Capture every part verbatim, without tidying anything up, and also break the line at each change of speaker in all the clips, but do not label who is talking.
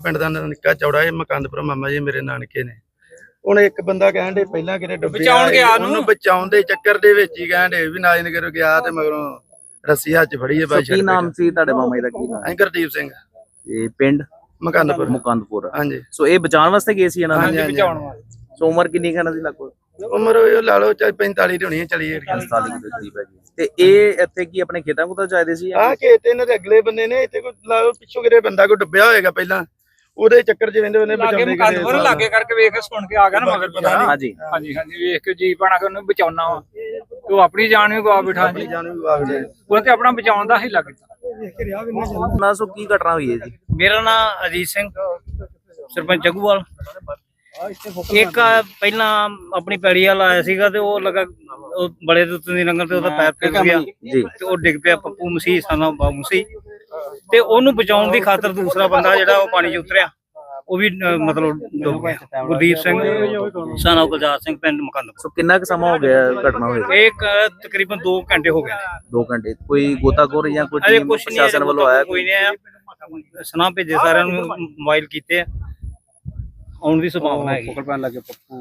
पिंड दा निक्का चौड़ा है मकंदपुर मामा जी मेरे नानके ने। ਹੁਣ ਇੱਕ ਬੰਦਾ ਕਹਿਣ ਦੇ ਪਹਿਲਾਂ ਕਿਤੇ ਡੁੱਬਿਆ ਉਹਨੂੰ ਬਚਾਉਣ ਦੇ ਚੱਕਰ ਦੇ ਵਿੱਚ ਹੀ ਕਹਿਣ ਦੇ ਵੀ ਨਾਜਨਗਰ ਗਿਆ ਤੇ ਮਗਰੋਂ ਰੱਸੀ ਹੱਥ ਚ ਫੜੀ ਹੈ ਬਾਈ।
ਕੀ ਨਾਮ ਸੀ ਤੁਹਾਡੇ ਮਾਮਾ ਜੀ ਦਾ? ਕੀ ਨਾਮ?
ਗੁਰਦੀਪ ਸਿੰਘ।
ਇਹ ਪਿੰਡ
ਮਕੰਦਪੁਰ।
ਮਕੰਦਪੁਰ,
ਹਾਂਜੀ।
ਸੋ ਇਹ ਬਚਾਉਣ ਵਾਸਤੇ ਗਏ ਸੀ ਇਹਨਾਂ
ਨੇ? ਬਚਾਉਣ ਵਾਸਤੇ।
ਸੋ ਉਮਰ ਕਿੰਨੀ ਕਹਿਣਾ ਸੀ? ਲਗਭਗ
ਉਮਰ ਉਹ ਲਾ ਲਓ ਚਾਹੇ ਪੈਂਤਾਲੀ ਦੀ ਹੋਣੀ ਹੈ, ਚਲੀ
ਪੰਤਾਲੀ ਦੇ ਕਰੀਬ ਹੈ ਜੀ। ਤੇ ਇਹ ਇੱਥੇ ਕੀ ਆਪਣੇ ਖੇਤਾਂ ਕੋਲ ਚਾਹਦੇ ਸੀ?
ਆਹ ਖੇਤ ਇਹਨਾਂ ਦੇ ਅਗਲੇ ਬੰਦੇ ਨੇ, ਇੱਥੇ ਕੋਈ ਲਾ ਲਓ ਪਿੱਛੋਂ ਕਿਤੇ ਬੰਦਾ ਕੋਈ ਡੁੱਬਿਆ ਹੋਏਗਾ ਪਹਿਲਾਂ, ਉਹਦੇ ਚੱਕਰ ਚ ਵੰਦੇ ਉਹਨੇ ਬਚਾਉਂਦੇ
ਮਕੰਦਪੁਰ ਲਾਗੇ ਕਰਕੇ ਵੇਖ ਕੇ ਸੁਣ ਕੇ ਆ ਗਿਆ ਨਾ ਮਗਰ ਪਤਾ ਨਹੀਂ।
ਹਾਂਜੀ
ਹਾਂਜੀ ਹਾਂਜੀ ਵੇਖ ਕੇ ਜੀ ਪਾਣਾ ਕਿ ਉਹਨੂੰ ਬਚਾਉਣਾ ਵਾ, ਉਹ ਆਪਣੀ ਜਾਨ ਵੀ ਗਵਾ ਬਿਠਾ ਜੀ, ਉਹ ਤੇ ਆਪਣਾ ਬਚਾਉਣ ਦਾ ਹੀ ਲੱਗ ਗਿਆ।
ਨਾ ਸੋ ਕੀ ਘਟਨਾ ਹੋਈ ਹੈ ਜੀ?
ਮੇਰਾ ਨਾਮ ਅਜੀਤ ਸਿੰਘ, ਸਰਪੰਚ ਜੱਗੂਵਾਲ। ਇੱਕ ਪਹਿਲਾਂ ਆਪਣੀ ਪੈੜੀ ਵਾਲਾ ਆਇਆ ਸੀਗਾ ਤੇ ਉਹ ਲਗਾ ਉਹ ਬੜੇ ਦੇ ਉੱਤੇ ਦੀ ਲੰਗਰ ਤੇ ਉਹਦਾ ਪੈਰ ਫਿਸ ਗਿਆ
ਜੀ
ਤੇ ਉਹ ਡਿੱਗ ਪਿਆ। ਪੱਪੂ ਮਸੀਹ ਸਾਨਾ ਬਾਬੂ ਮਸੀਹ ਤੇ ਉਹਨੂੰ ਬਚਾਉਣ ਦੀ ਖਾਤਰ ਦੂਸਰਾ ਬੰਦਾ ਜਿਹੜਾ ਉਹ ਪਾਣੀ 'ਚ ਉਤਰਿਆ, ਉਹ ਵੀ ਮਤਲਬ ਡੁੱਬ ਗਿਆ। ਗੁਰਦੀਪ ਸਿੰਘ ਸਾਨਾ ਗੁਲਜ਼ਾਰ ਸਿੰਘ, ਪਿੰਡ ਮਕੰਦਪੁਰ।
ਸੋ ਕਿੰਨਾ ਕੁ ਸਮਾਂ ਹੋ ਗਿਆ ਘਟਨਾ ਹੋਈ?
ਇੱਕ ਤਕਰੀਬਨ ਦੋ ਘੰਟੇ ਹੋ ਗਏ।
ਦੋ ਘੰਟੇ ਕੋਈ ਗੋਤਾਖੋਰ ਜਾਂ ਕੋਈ
ਅਜੇ
ਟੀਮ
ਕੁਛ ਨਹੀਂ
ਪ੍ਰਸ਼ਾਸਨ ਵੱਲੋਂ ਆਇਆ?
ਕੋਈ ਨਹੀਂ ਆਇਆ। ਸੁਨਾ ਭੇਜੇ ਸਾਰਿਆਂ ਨੂੰ, ਮੋਬਾਈਲ ਕੀਤੇ ਆ, ਆਉਣ ਦੀ ਸੰਭਾਵਨਾ ਹੈਗੀ।
ਪਕੜ ਪੈਣ ਲੱਗੇ ਪੱਪੂ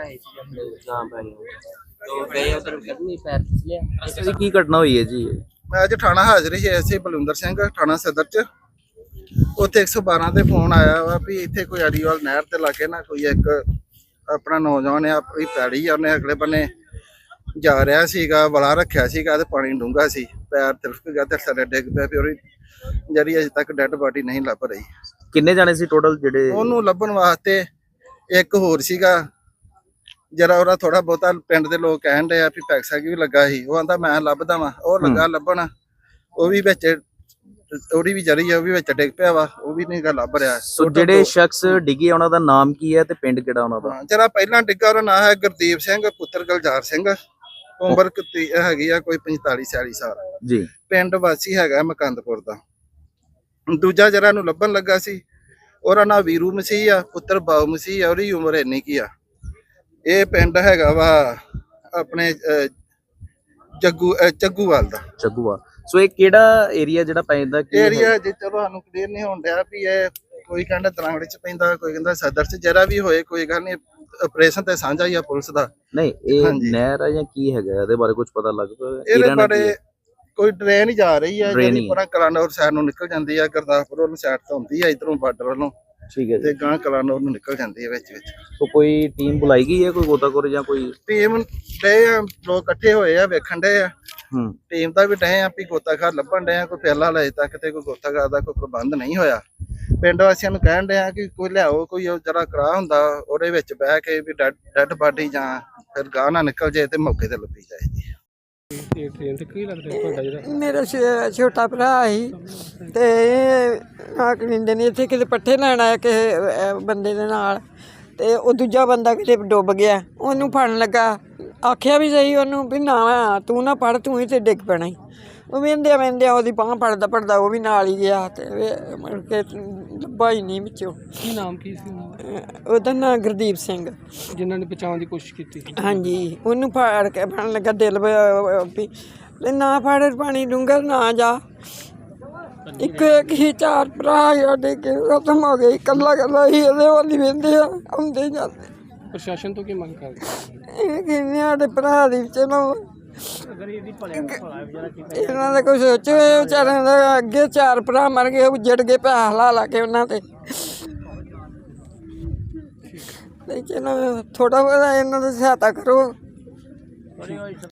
ਕੀ ਘਟਨਾ ਹੋਈ ਹੈ ਜੀ?
ਮੈਂ ਅੱਜ ਥਾਣਾ ਹਾਜ਼ਰ ਸੀ, ਐਸਏ ਬਲਵਿੰਦਰ ਸਿੰਘ ਥਾਣਾ ਸਦਰ ਚ। ਉੱਥੇ ਇੱਕ ਸੌ ਬਾਰਾਂ ਤੇ ਫੋਨ ਆਇਆ ਵਾ ਵੀ ਇੱਥੇ ਕੋਈ ਅਰੀਵਾਲ ਨਹਿਰ ਤੇ ਲਾਗੇ ਨਾ ਕੋਈ ਇੱਕ ਆਪਣਾ ਨੌਜਵਾਨ ਆ, ਆਪਣੀ ਪੈੜੀ ਆ, ਉਹਨੇ ਅਗਲੇ ਬੰਨੇ ਜਾ ਰਿਹਾ ਸੀਗਾ, ਵਲਾ ਰੱਖਿਆ ਸੀਗਾ ਤੇ ਪਾਣੀ ਡੂੰਘਾ ਸੀ, ਪੈਰ ਤਿਲਕ ਗਿਆ ਤੇ ਥੱਲੇ ਡਿੱਗ ਪਿਆ। ਫਿਰ ਉਹਦੀ ਜਿਹੜੀ ਅਜੇ ਤੱਕ ਡੈਡ ਬਾਡੀ ਨਹੀਂ ਲੱਭ ਰਹੀ।
ਕਿੰਨੇ ਜਾਣੇ ਸੀ ਟੋਟਲ ਜਿਹੜੇ?
ਉਹਨੂੰ ਲੱਭਣ ਵਾਸਤੇ ਇੱਕ ਹੋਰ ਸੀਗਾ ਜਰਾ, ਉਹਦਾ ਥੋੜਾ ਬਹੁਤਾ ਪਿੰਡ ਦੇ ਲੋਕ ਕਹਿਣ ਦੇ ਆ ਵੀ ਪੈਕਸਾ ਵੀ ਲੱਗਾ ਸੀ, ਉਹ ਆਂਦਾ ਮੈਂ ਲੱਭਦਾ ਵਾ, ਉਹ ਲੱਗਾ ਲੱਭਣ, ਉਹ ਵੀ ਵਿੱਚ ਉਹਦੀ ਵੀ ਜਰੀ ਆ, ਉਹ ਵੀ ਵਿੱਚ ਡਿੱਗ ਪਿਆ ਵਾ, ਉਹ ਵੀ ਨਹੀਂ ਗਾ ਲੱਭ ਰਿਹਾ।
ਸੋ ਜਿਹੜੇ ਸ਼ਖਸ ਡਿੱਗੇ ਉਹਨਾਂ ਦਾ ਨਾਮ ਕੀ ਹੈ ਤੇ ਪਿੰਡ ਕਿਹੜਾ ਉਹਨਾਂ ਦਾ?
ਜਰਾ ਪਹਿਲਾਂ ਡਿੱਗਾ ਉਹਦਾ ਨਾਮ ਹੈ ਗੁਰਦੀਪ ਸਿੰਘ ਪੁੱਤਰ ਗੁਲਜ਼ਾਰ ਸਿੰਘ, ਉਮਰ ਹੈਗੀ ਆ ਕੋਈ ਪੰਤਾਲੀ ਛਿਆਲੀ ਸਾਲ
ਜੀ,
ਪਿੰਡ ਵਾਸੀ ਹੈਗਾ ਮਕੰਦਪੁਰ ਦਾ। ਦੂਜਾ ਜਰਾ ਨੂੰ ਲੱਭਣ ਲੱਗਾ ਸੀ, ਉਹਦਾ ਨਾਂ ਵੀਰੂ ਮਸੀਹ ਆ, ਪੁੱਤਰ ਬਾਉ ਮਸੀਹ ਆ, ਉਹਦੀ ਉਮਰ ਇੰਨੀ ਕੀ ਆ। ਇਹ ਪਿੰਡ ਹੈਗਾ ਵਾ ਆਪਣੇ ਜੱਗੂ ਚੱਗੂਵਾਲ ਦਾ।
ਚੱਗੂਵਾਲ। ਸੋ ਇਹ ਕਿਹੜਾ ਏਰੀਆ ਜਿਹੜਾ ਪੈਂਦਾ?
ਏਰੀਆ ਜੇ ਚਲੋ ਸਾਨੂੰ ਕਲੀਅਰ ਨਹੀਂ ਹੋਣ ਡਿਆ ਵੀ ਇਹ ਕੋਈ ਕਹਿੰਦਾ ਤਰਾਂਗੜੇ ਚ ਪੈਂਦਾ, ਕੋਈ ਕਹਿੰਦਾ ਸਦਰ ਚ, ਜਰਾ ਵੀ ਹੋਏ ਕੋਈ ਗੱਲ ਨਹੀਂ, ਆਪਰੇਸ਼ਨ ਤੇ ਸਾਂਝਾ ਹੀ ਆ ਪੁਲਿਸ ਦਾ।
ਨਹੀਂ ਇਹ ਨਹਿਰ ਆ ਜਾਂ ਕੀ ਹੈਗਾ, ਇਹਦੇ ਬਾਰੇ ਕੁਝ ਪਤਾ ਲੱਗ ਪਿਆ?
ਇਹਦੇ ਬਾਰੇ ਕੋਈ ਟ੍ਰੇਨ ਹੀ ਜਾ ਰਹੀ ਹੈ ਜਿਹੜੀ ਪਰਾਂ ਕਲਾਨੌਰ ਸਾਈਡ ਨੂੰ ਨਿਕਲ ਜਾਂਦੀ ਹੈ, ਗੁਰਦਾਸਪੁਰ ਵੱਲੋਂ ਸਾਈਡ ਤੋਂ ਆਉਂਦੀ ਹੈ, ਇਧਰੋਂ ਬਾਰਡਰ ਵੱਲੋਂ,
ਠੀਕ ਹੈ,
ਤੇ ਗਾਂ ਕਲਾਨੌਰ ਨੂੰ ਨਿਕਲ ਜਾਂਦੀ ਹੈ ਵਿੱਚ ਵਿੱਚ।
ਸੋ ਕੋਈ ਟੀਮ ਬੁਲਾਈ ਗਈ ਹੈ, ਕੋਈ ਗੋਤਾਖੋਰ ਜਾਂ ਕੋਈ
ਟੀਮ ਡੇ ਆ, ਲੋਕ ਇਕੱਠੇ ਹੋਏ ਆ, ਵੇਖਣ ਡੇ ਆ।
ਹੂੰ
ਟੀਮ ਦਾ ਵੀ ਡੇ ਆ ਵੀ ਗੋਤਾਖੋਰ ਲੱਭਣ ਡੇ ਆ, ਕੋਈ ਪਹਿਲਾਂ ਹਲੇ ਤੱਕ ਤੇ ਕੋਈ ਗੋਤਾਖੋਰ ਦਾ ਕੋਈ ਪ੍ਰਬੰਧ ਨਹੀਂ ਹੋਇਆ। ਪਿੰਡ ਵਾਸੀਆਂ ਨੂੰ ਕਹਿਣ ਡੇ ਆ ਕਿ ਕੋਈ ਲਿਆਓ, ਕੋਈ ਜਰਾ ਕਰਾ ਹੁੰਦਾ ਉਹਦੇ ਵਿੱਚ ਬਹਿ ਕੇ ਵੀ ਡੈਡ ਬਾਡੀ ਜਾਂ ਫਿਰ ਗਾਂ ਨਾ ਨਿਕਲ ਜਾਏ ਤੇ ਮੌਕੇ ਤੇ ਲੱਭੀ ਜਾਏ।
ਮੇਰਾ ਛੋਟਾ ਭਰਾ ਸੀ ਤੇ ਆ ਕਲਿੰਦੇ ਨੇ ਇੱਥੇ ਕਿਤੇ ਪੱਠੇ ਲੈਣ ਆਇਆ ਕਿਸੇ ਬੰਦੇ ਦੇ ਨਾਲ, ਤੇ ਉਹ ਦੂਜਾ ਬੰਦਾ ਕਿਤੇ ਡੁੱਬ ਗਿਆ, ਉਹਨੂੰ ਫੜਨ ਲੱਗਾ, ਆਖਿਆ ਵੀ ਸਹੀ ਉਹਨੂੰ ਵੀ ਨਾ ਤੂੰ ਨਾ ਪੜ, ਤੂੰ ਹੀ ਤੇ ਡਿੱਗ ਪੈਣਾ ਹੀ। ਉਹ ਵਹਿੰਦਿਆਂ ਵਹਿੰਦਿਆਂ ਉਹਦੀ ਬਾਂਹ ਫੜਦਾ ਫੜਦਾ ਉਹ ਵੀ ਨਾਲ ਹੀ ਗਿਆ ਤੇ ਮੁੜ ਕੇ ਲੱਭਾ ਹੀ ਨਹੀਂ ਵਿੱਚੋਂ।
ਕੀ ਨਾਮ ਕੀ ਸੀ
ਉਹਦਾ ਨਾਂ ਗੁਰਦੀਪ ਸਿੰਘ,
ਜਿਨ੍ਹਾਂ ਨੇ ਬਚਾਉਣ ਦੀ ਕੋਸ਼ਿਸ਼ ਕੀਤੀ?
ਹਾਂਜੀ, ਉਹਨੂੰ ਫੜ ਕੇ ਫੜਨ ਲੱਗਾ, ਦਿਲ ਵੀ ਨਾ ਫੜ, ਪਾਣੀ ਡੂੰਘਾ ਨਾ ਜਾ। ਇੱਕ ਇੱਕ ਹੀ ਚਾਰ ਭਰਾ ਸਾਡੇ ਕੇ ਖਤਮ ਹੋ ਗਏ, ਇਕੱਲਾ ਇਕੱਲਾ ਹੀ ਇਹਦੇ ਵੱਲ ਹੀ ਵਹਿੰਦੇ ਆ, ਆਉਂਦੇ ਜਾਂਦੇ।
ਪ੍ਰਸ਼ਾਸਨ ਤੋਂ ਕੀ ਮੰਗ ਕਰਦੇ?
ਇਹ ਕਹਿੰਦੇ ਸਾਡੇ ਭਰਾ ਦੀ ਚਲੋ ਇਹਨਾਂ ਦਾ ਕੁਛ ਸੋਚੋ, ਇਹ ਵਿਚਾਰਿਆਂ ਦਾ ਅੱਗੇ ਚਾਰ ਭਰਾ ਮਰ ਗਏ, ਉੱਜੜ ਗਏ ਪੈਸਾ ਲਾ ਲਾ ਕੇ ਉਹਨਾਂ ਤੇ। ਚਲੋ ਥੋੜਾ ਬਹੁਤਾ ਇਹਨਾਂ ਦੀ ਸਹਾਇਤਾ ਕਰੋ।